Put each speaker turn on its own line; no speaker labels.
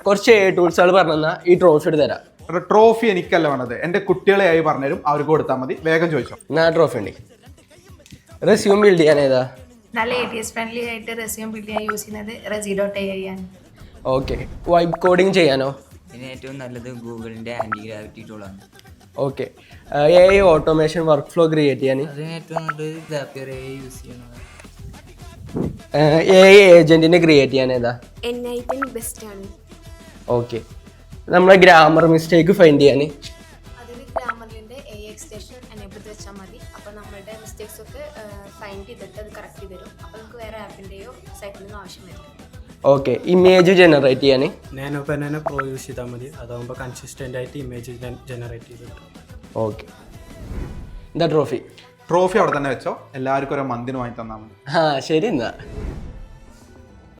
കുറച്ച് ടൂൾസുകൾ പറഞ്ഞാൽ ഈ ട്രോഫി എടുത്ത് തരാം.
ട്രോഫി എനിക്കല്ല വേണ്ടത്, എൻ്റെ കുട്ടികളെ ആയി പറഞ്ഞുതരും, അവർക്ക് കൊടുത്താൽ മതി. വേഗം ചോദിച്ചോ.
ഞാൻ ട്രോഫി ഉണ്ട്. റെസ്യൂം ബിൽഡ് ചെയ്യാൻ ഏതാ?
നല്ല ATS ഫ്രണ്ട്ലി ആയിട്ട് റെസ്യൂം ബിൽഡ് ചെയ്യാൻ യൂസ് ചെയ്യുന്നത് Rezi.ai ആണ്.
ഓക്കെ. വൈബ് കോഡിങ് ചെയ്യാനോ?
ഇതിന് ഏറ്റവും നല്ലത് ഗൂഗിളിൻ്റെ ആൻറ്റി ഗ്രാവിറ്റി ടൂളാണ്.
Okay. AI automation workflow create ചെയ്യാൻ?
അതിന് ഏറ്റവും നല്ലത് Zapier AI യൂസ് ചെയ്യണത്.
AI ഏജന്റിനെ ക്രിയേറ്റ് ചെയ്യാൻ ഏതാ?
N8 ബെസ്റ്റ് ആണ്.
ഓക്കെ. നമ്മളെ ഗ്രാമർ മിസ്റ്റേക്ക് ഫൈൻഡ് ചെയ്യാൻ?
അതിൽ ഗ്രാമറിൻ്റെ AI എക്സ്റ്റേഷൻ എനേബിൾ വെച്ചാൽ മതി. അപ്പോൾ നമ്മളുടെ മിസ്റ്റേക്സ് ഒക്കെ ഫൈൻഡ് ചെയ്തിട്ട് അത് കറക്റ്റ് ചെയ്ത് തരും. അപ്പോൾ നമുക്ക് വേറെ ആപ്പിൻ്റെയോ സൈറ്റിൽ ആവശ്യം വരില്ല.
ഓക്കെ. ഇമേജ് ജനറേറ്റ് ചെയ്യാൻ?
നാനോ പെനാനോ പ്രോ യൂസ് ചെയ്താൽ മതി. അതാകുമ്പോൾ കൺസിസ്റ്റൻ്റ് ആയിട്ട് ഇമേജ് ജനറേറ്റ് ചെയ്ത് കിട്ടും.
ഓക്കെ. എന്താ ട്രോഫി?
ട്രോഫി അവിടെ തന്നെ വെച്ചോ. എല്ലാവർക്കും ഒരു മന്തിന് വാങ്ങി തന്നാൽ മതി.
ശരി എന്നാ.